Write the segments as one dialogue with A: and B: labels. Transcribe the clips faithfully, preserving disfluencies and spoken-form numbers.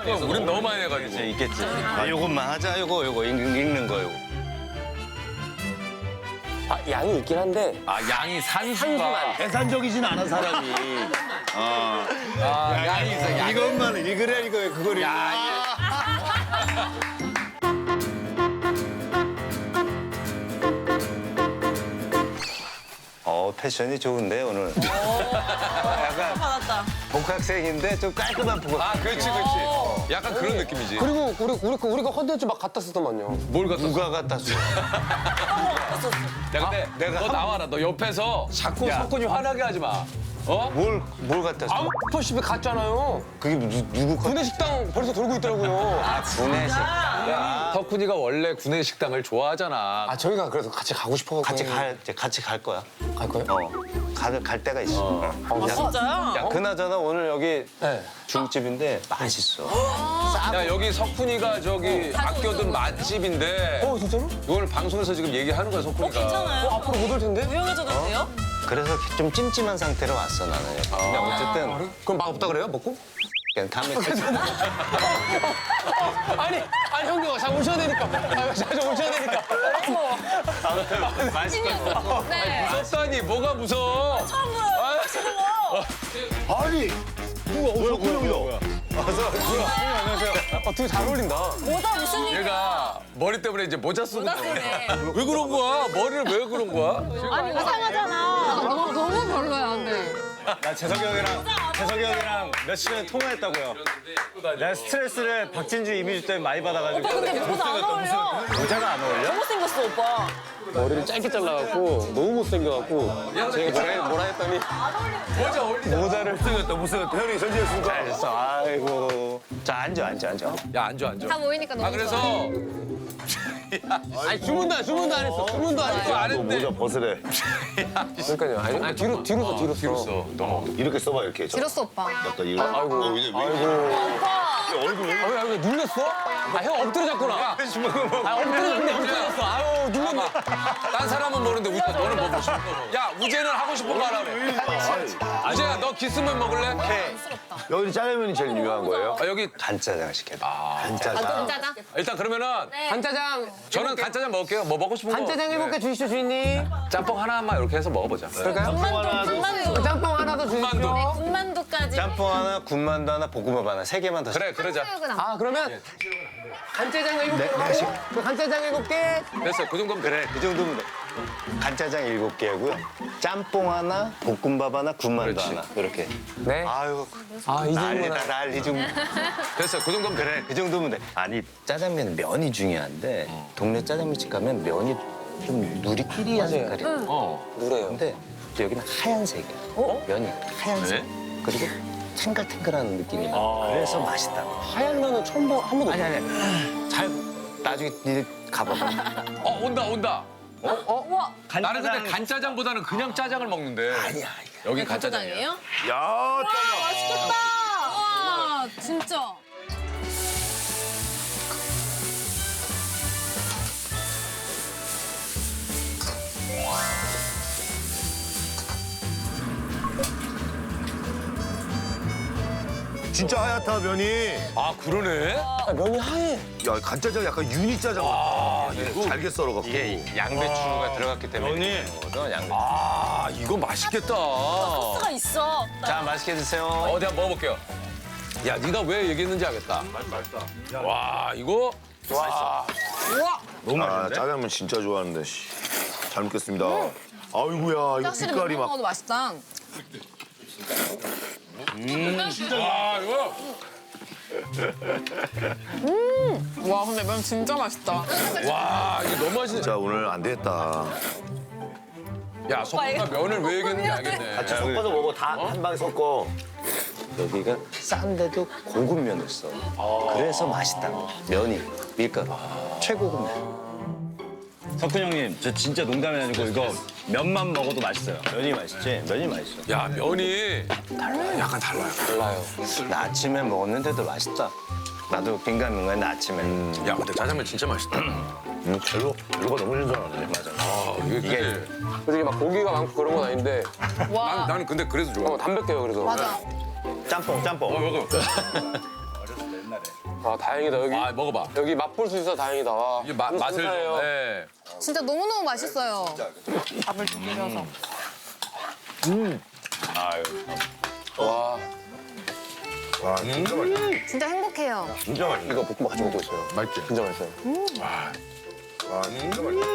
A: 그럼 우린 너무 많이 해가지고.
B: 이제 있겠지. 아, 요것만 하자. 요거 요거 읽, 읽는 거 요거.
C: 아, 양이 있긴 한데
A: 아 양이 산수가.
C: 한수만.
B: 계산적이진 않아 사람이. 어.
A: 아 양이 있어. 양.
B: 이것만 읽으래 이거 그걸 읽. 어 패션이 좋은데 오늘. 약간
D: 받았다.
B: 복학생인데 좀 깔끔한 복학.
A: 아 그렇지 그렇지. 약간 그런 느낌이지.
C: 그리고 우리 우리 그 우리가 컨텐츠 막 갖다 쓰더만요.
A: 뭘 갖다 써?
B: 누가 갖다 줘?
A: 야 근데
B: 내가
A: 너
B: 한-
A: 나와라. 너 옆에서 자꾸
B: 야.
A: 석훈이 화나게 하지 마. 어?
B: 뭘 뭘 갖다 줘?
C: 아우 퍼십에 갔잖아요.
B: 그게 누, 누구 거?
C: 구내식당 벌써 돌고 있더라고요.
B: 아 구내식. 야.
A: 석훈이가 원래 구내식당을 좋아하잖아.
C: 아 저희가 그래서 같이 가고 싶어가지고.
B: 같이 갈 이제 같이 갈 거야.
C: 갈 거예요?
B: 어. 갈, 갈 때가 있어.
C: 어,
B: 야,
D: 진짜요?
B: 야, 그나저나 오늘 여기
C: 네.
B: 중국집인데 맛있어.
A: 야 여기 석훈이가 저기 아껴둔 맛집인데
C: 어 진짜로?
A: 이걸 방송에서 지금 얘기하는 거야 석훈이가.
D: 괜찮아요?
C: 어 앞으로 못 올 텐데?
D: 유명해져도 돼요?
B: 그래서 좀 찜찜한 상태로 왔어 나는. 근데 어쨌든
C: 그럼 맛없다 그래요? 먹고?
B: 그냥 다음에
C: 아니 아니 형님 자 오셔야 되니까. 아, 자 오셔야 되니까.
B: 아무튼 맛있겠어.
D: 네.
A: 무섭다니 뭐가 무서워?
D: 처음 들어요. 무서워.
B: 아니 누가 어서 구형이다. 어서 구형 안녕하세요.
C: 어 되게 잘 어울린다.
D: 뭐다 무슨 일이야?
A: 얘가 머리 때문에 이제 모자 쓰고
D: 모자
A: 그래.
D: 쓰네.
A: 왜 그런 거야? 머리를 왜 그런 거야?
D: 아니 이상하잖아.
E: 너무 너무 별로야, 근데.
B: 나 재석이 형이랑 재석이 형이랑 며칠 전에 통화했다고요. 내가 스트레스를 박진주 이미지 때문에 많이 받아가지고.
D: 오빠 근데 모자 안 어울려.
B: 모자가 안 어울려?
D: 잘못생겼어 오빠.
C: 머리를 짧게 잘라갖고 너무 못생겨갖고 제가 뭐라, 뭐라 했더니
A: 모자 어울리잖아.
B: 모자를 못생겼다 못생겼다. 형이 전지했습니까? 잘했어. 아이고. 자 앉아 앉아 앉아.
A: 야 앉아 앉아.
E: 다 모이니까 너무
A: 아 그래서
C: 아니 주문도 안 주문도 안 했어. 주문도 안 했어.
A: 안 했는데
B: 벗으래.
C: 그러니까요. 아니, 아니 뒤로 뒤로 서 뒤로
A: 뒤로
C: 서.
A: 써. 너.
B: 이렇게 써봐 이렇게. 저.
E: 길었어, 오빠.
B: 약간 이거.
C: 아이고.
B: 어, 이제 왜
D: 오빠.
B: 얼굴 왜?
C: 아, 왜, 왜 눌렸어? 아, 형 엎드려 잤구나. 아, 엎드려 잤네, 엎드려 잤어. 아유, 눌렸네.
A: 딴 사람은 모르는데 우재 너는 먹고 싶은 거 먹어. 야 우재는 하고 싶은 거 하라며. 우재야 너 기스면 먹을래?
B: 여기 짜장면이 제일 유명한 거예요?
A: 아, 여기
B: 간짜장 시켜야 돼. 간짜장.
E: 짜장.
A: 일단 그러면은
C: 간짜장.
A: 저는 간짜장 먹을게요. 뭐 먹고 싶은 거.
C: 간짜장 일곱 개 주시죠, 주인님.
A: 짬뽕 하나만 이렇게 해서 먹어보자.
C: 그럴까요?
D: 군만두. 군만두.
C: 짬뽕 하나 더 주시죠.
A: 군만두.
D: 군만두까지.
B: 짬뽕 하나, 군만두 하나, 볶음밥 하나 세 개만 더.
A: 그래 그러자.
C: 아, 그러면 간짜장 일곱 개. 그 간짜장 일곱 개.
A: 됐어 그 정도면
B: 그래 그 정도면 돼. 간짜장 일곱 개고요. 짬뽕 하나, 볶음밥 하나, 군만두
A: 그렇지.
B: 하나 이렇게.
C: 네.
B: 아유
C: 아, 이
B: 난리다
C: 정도면.
B: 난리 좀.
A: 됐어 그 정도면
B: 그래 그 정도면 돼. 아니 짜장면 면이 중요한데 동네 짜장면집 가면 면이 좀 누리끼리한 색깔이야.
A: 어.
C: 누래요.
B: 근데 여기는 하얀색이야. 면이 하얀색.
A: 네?
B: 그리고 탱글탱글한 느낌이 나. 그래서 맛있다.
C: 하얀 면은 처음 봐, 한 번도.
B: 아니 아니 잘 나중에 니네 가봐봐.
A: 어 온다 온다.
D: 우와.
A: 나는 근데 간짜장보다는 그냥 짜장을 먹는데.
B: 아니야
A: 여기 간짜장이야.
D: 간짜장이에요?
B: 야
D: 맛있겠다.
E: 와, 진짜.
F: 진짜 하얗다 면이.
A: 아 그러네.
C: 아, 면이 하얘.
F: 야 간짜장 약간 유니 짜장.
A: 아
F: 이게
A: 이거.
F: 잘게 썰어갖고.
B: 이게 양배추가 들어갔기 때문에
A: 면이.
B: 거거든, 양배추.
A: 아 이거 맛있겠다.
D: 소스가 있어.
B: 자 맛있게 드세요.
A: 어디 한번 먹어볼게요. 야 네가 왜 얘기했는지 알겠다. 맛있다. 와 이거. 와.
B: 너무
F: 아
B: 맛있는데?
F: 짜장면 진짜 좋아하는데. 씨. 잘 먹겠습니다. 아이고야 이거
E: 확실히
F: 빛깔이
E: 면
F: 막.
E: 먹어도 맛있다.
A: 와 이거.
E: 와, 근데 면 진짜 맛있다.
A: 와 이거 너무 맛있네.
F: 진짜 오늘 안 되겠다.
A: 야 석훈이가 면을 왜 얘기했는지 알겠네.
B: 같이 섞어서 먹어. 다 한 방에 섞어. 여기가 싼데도 고급 면을 써. 그래서 맛있다. 면이 밀가루 최고급 면.
G: 석훈 형님, 저 진짜 농담이 아니고 이거 면만 먹어도 맛있어요.
B: 면이 맛있지? 면이 맛있어.
A: 야 면이 약간 달라요.
C: 달라요.
B: 나 아침에 먹었는데도 맛있다. 나도 긴가민가했는데 아침에.
A: 야 근데 짜장면 진짜 맛있다.
F: 음, 별로 별로가 너무 신선하네.
B: 맞아.
A: 아 이게
B: 이게
A: 그게.
C: 솔직히 막 고기가 많고 그런 건 아닌데
E: 와,
A: 난, 나는 근데 그래서 좋아.
C: 어, 담백해요, 그래서.
E: 맞아.
B: 짬뽕 짬뽕.
A: 어, 먹어.
C: 아 다행이다 여기
A: 아 먹어봐.
C: 여기 맛볼 수 있어 다행이다. 와.
A: 이게 마, 맛을 좀.
C: 감사해요.
A: 네.
E: 진짜 너무너무 맛있어요.
D: 밥을 좀 비벼서.
C: 와
F: 와, 진짜 맛있다.
E: 진짜 행복해요.
F: 진짜 맛있다.
C: 이거 볶음밥 같이 먹고 있어요.
A: 맛있지?
C: 진짜 맛있어요.
F: 와, 진짜 맛있다.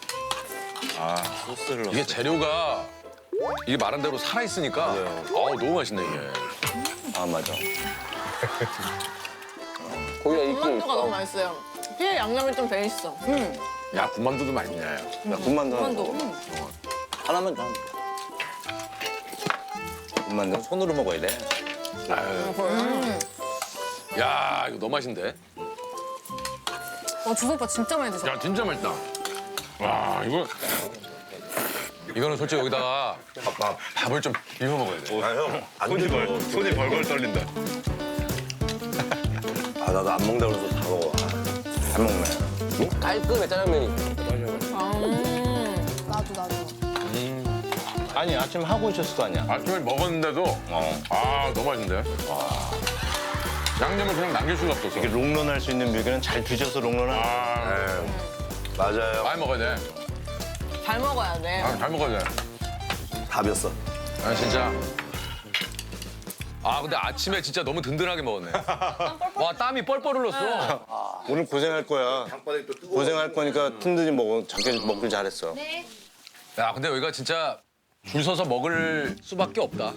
G: 소스를
A: 이게 재료가 이게 말한 대로 살아 있으니까 어우 너무 맛있네 이게.
B: 아 맞아.
C: 고기가 익긴
E: 군만두가 너무
C: 있어.
E: 맛있어요. 피에 양념이 좀 배 있어.
A: 야 군만두도 맛있네.
B: 야 군만두 하나
E: 군만두.
B: 먹어. 하나만 더. 군만두 손으로 먹어야 돼.
A: 야 이거 너무 맛있는데.
E: 어, 주성 오빠 진짜 많이 드셨어.
A: 야 진짜 맛있다. 와 이거 이거는 솔직히 여기다가 밥, 밥을 좀 비벼 먹어야 돼.
F: 아, 형, 안
G: 손이
F: 되죠.
G: 벌 손이 벌벌 떨린다.
F: 아, 나도 안 먹는다 그래서 다 먹어.
B: 잘 먹네.
C: 깔끔해 짜장면이.
E: 나도 나도.
B: 아니 아침 하고 오셨을 거 아니야.
A: 아침에 먹었는데도
B: 어.
A: 아 너무 맛있는데. 양념을 그냥 남길 수가 없었어.
B: 이게 롱런할 수 있는 묘기는 잘 드셔서 롱런할.
A: 아
F: 맞아요.
A: 많이 먹어야 돼.
E: 잘 먹어야 돼.
A: 아, 잘 먹어야 돼.
F: 답이었어.
A: 아 진짜. 아 근데 아침에 진짜 너무 든든하게 먹었네. 와 땀이 뻘뻘 흘렀어.
B: 오늘 고생할 거야. 고생할 거니까 든든히 먹어. 작게 먹길 잘했어.
A: 야 근데 여기가 진짜 줄 서서 먹을 수밖에 없다.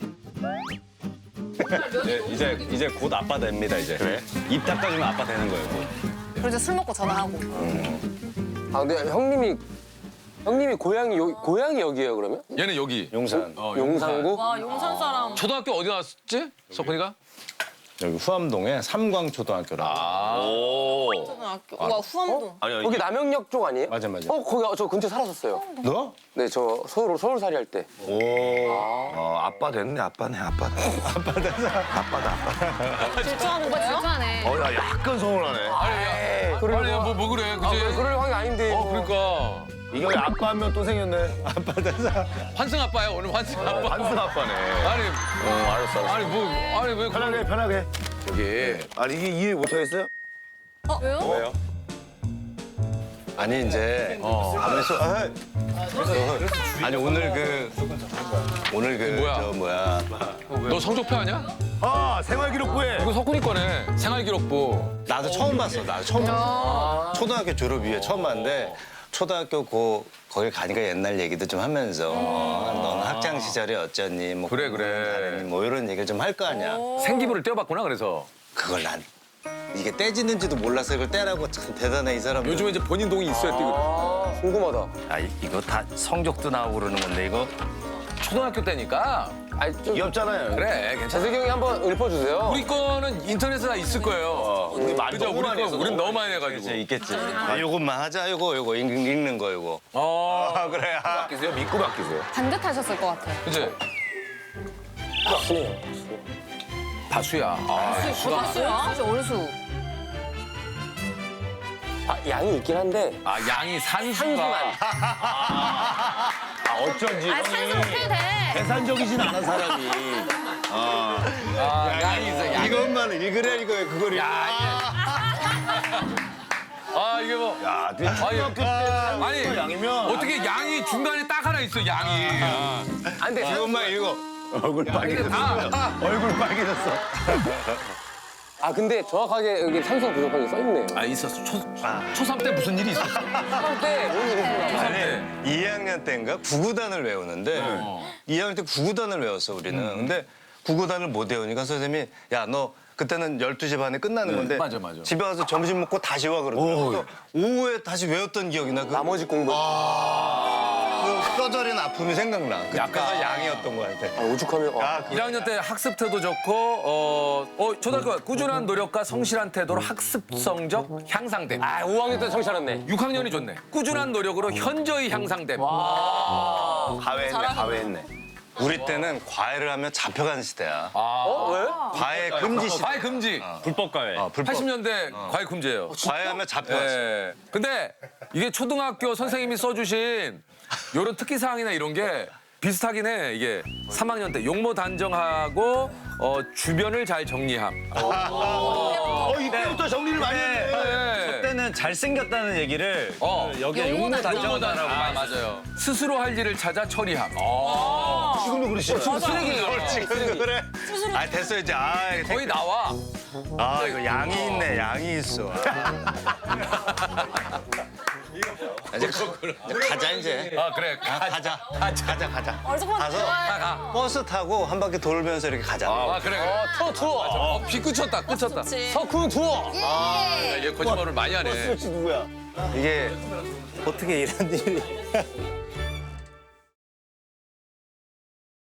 G: 이제 이제 이제 곧 아빠 됩니다 이제. 그래? 입 닦아주면 아빠 되는 거예요. 곧.
E: 그리고 이제 술 먹고 전화하고.
C: 아 근데 형님이 형님이 고향이 여, 고향이 여기예요 그러면?
A: 얘는 여기.
B: 용산.
A: 어,
C: 용산구?
D: 와 용산 사람.
A: 초등학교 어디 나왔지? 석훈이가?
B: 여기 후암동에 삼광초등학교라고.
E: 초등학교. 와 후암동.
F: 아니, 아니.
C: 거기 남영역 쪽 아니에요?
B: 맞아 맞아.
C: 어 거기 저 근처 살았었어요.
B: 너?
C: 네 저 서울 서울살이 할 때.
F: 오. 어, 아빠 됐네, 아빠네, 아빠다. 아빠다. 아빠다, 아빠.
E: 질투하는 거예요? 질투하네.
F: 어, 야, 약간 서운하네.
A: 아니 야. 아니 야, 뭐, 뭐 그래
C: 아,
A: 그지?
C: 왜 그럴 형이 아닌데.
A: 어 그러니까.
F: 이거 아빠 한 명 또 생겼네.
A: 환승 아빠야 오늘 환승 아빠.
F: 반승 아빠네.
A: 아니
F: 어, 알았어, 알았어.
A: 아니 뭐 아니 왜
F: 편하게, 편하게.
A: 여기
F: 아니, 이게 이해 못하겠어요?
E: 어 왜요?
B: 왜요? 아니 이제 가만있어. 아, 아니 오늘 그 오늘 그
A: 뭐야?
B: 저 뭐야?
A: 너 성적표 아니야?
F: 아, 생활기록부에.
A: 이거 석훈이 거네. 생활기록부.
B: 나도 처음 봤어. 나도 처음 봤어. 초등학교 졸업 이후에 처음 봤는데 초등학교 고 거기 가니까 옛날 얘기도 좀 하면서 어, 넌 학창 시절에 어쩌니 뭐
A: 그래, 그래.
B: 공부는 잘했니 뭐 이런 얘기를 좀 할 거 아니야.
A: 생기부를 떼어봤구나 그래서.
B: 그걸 난 이게 떼지는지도 몰라서 이걸 떼라고 참 대단해 이 사람.
A: 요즘에 이제 본인 동이 있어야 뛰거든.
C: 아 궁금하다.
B: 아 이- 이거 다 성적도 나오고 그러는 건데 이거
A: 초등학교 때니까.
C: 아니 좀
F: 귀엽잖아요.
A: 그래 괜찮아.
C: 재석이 형이 한번 읊어주세요.
A: 우리 거는 인터넷에 다 있을 거예요.
F: 우리 많이
A: 그죠?
F: 너무
A: 우리
F: 많이
A: 거
F: 했어.
A: 우린 너무 많이 해가지고.
B: 이제 있겠지. 아, 요것만 하자. 요거 요거 읽, 읽는 거 요거.
A: 어.
B: 아 그래. 아.
F: 바뀌세요? 믿고 바뀌세요.
E: 반듯하셨을 것 같아요.
A: 그지?
C: 다수네요.
A: 다수야. 아,
E: 다수야? 진짜 어르수.
C: 아 양이 있긴 한데
A: 아 양이 산수가.
C: 한수만.
F: 아, 어쩐지.
E: 아 산수 못해도 돼.
F: 계산적이진 않은 사람이.
A: 아, 양이 있어. 양.
B: 이것만 읽으래 이거 그걸 읽어.
A: 아 이게 뭐.
F: 야, 근데 초등학교 때
A: 아니
F: 양이면.
A: 어떻게 양이 중간에 딱 하나 있어 양이.
C: 아 근데
B: 이것만 읽어.
F: 얼굴 빨개졌어.
A: 다.
F: 얼굴 빨개졌어.
C: 아 근데 정확하게 여기 삼성 부족한 게 써있네요.
A: 아 있었어. 초 초삼 때 무슨 일이 있었어?
C: 그때 뭔 일이 있었나
A: 초삼
C: 봐.
A: 때.
B: 이 학년 때인가 구구단을 외우는데 이 학년 때 구구단을 외웠어 우리는. 근데 구구단을 못 외우니까 선생님이 야 너 그때는 열두 시 반에 끝나는 건데
A: 맞아, 맞아.
B: 집에 가서 점심 먹고 다시 와 그러더라고. 오후에 다시 외웠던 기억이 나. 그,
C: 나머지 공부.
B: 그 뼈저린 아픔이 생각나. 그때가 양이었던 거 같아.
C: 아, 오죽하면. 아,
A: 일 학년 때 학습 태도 좋고 어, 어 초등학교 꾸준한 노력과 성실한 태도로 학습 성적 향상됨.
C: 아 오 학년 때 정신 차렸네.
A: 육 학년이 좋네. 꾸준한 노력으로 현저히 향상됨.
B: 가외했네 가외했네. 우리 때는 과외를 하면 잡혀가는 시대야.
C: 어 왜?
B: 과외 금지 시대.
A: 과외 금지.
G: 불법 가해.
B: 어, 불법.
A: 팔십 년대 과외 금지예요.
B: 과외하면 잡혀갔어.
A: 예. 근데 이게 초등학교 선생님이 써주신 이런 특기 사항이나 이런 게 비슷하긴 해. 이게 삼 학년 때 용모 단정하고 어, 주변을 잘 정리함.
F: 어, 이때부터 정리를 많이 했네.
A: 네.
G: 그때는 잘생겼다는 얘기를
A: 어.
G: 그 여기에
E: 용모
G: 용모
E: 단정.
G: 단정하다라고
A: 아,
G: 많이
A: 맞아요. 스스로 할 일을 찾아 처리함.
F: 지금도 그러시죠?
A: 쓰레기.
F: 지금도 그래? 아, 됐어, 이제. 아,
A: 거의 나와.
G: 아 이거 양이 있네 양이 있어.
B: 이제, 이제 가자 이제.
A: 아, 그래.
B: 아, 가자. 가자. 가자. 가자.
E: 어, 잠깐만.
B: 가서
A: 가, 가.
B: 버스 타고 한 바퀴 돌면서 이렇게 가자.
A: 아, 그래, 그래.
C: 투어 투어.
A: 어, 비 그쳤다, 그쳤다.
C: 석훈 투어.
A: 아, 얘 거짓말을 많이 하네.
B: 누구야? 이게 어떻게 이런 일이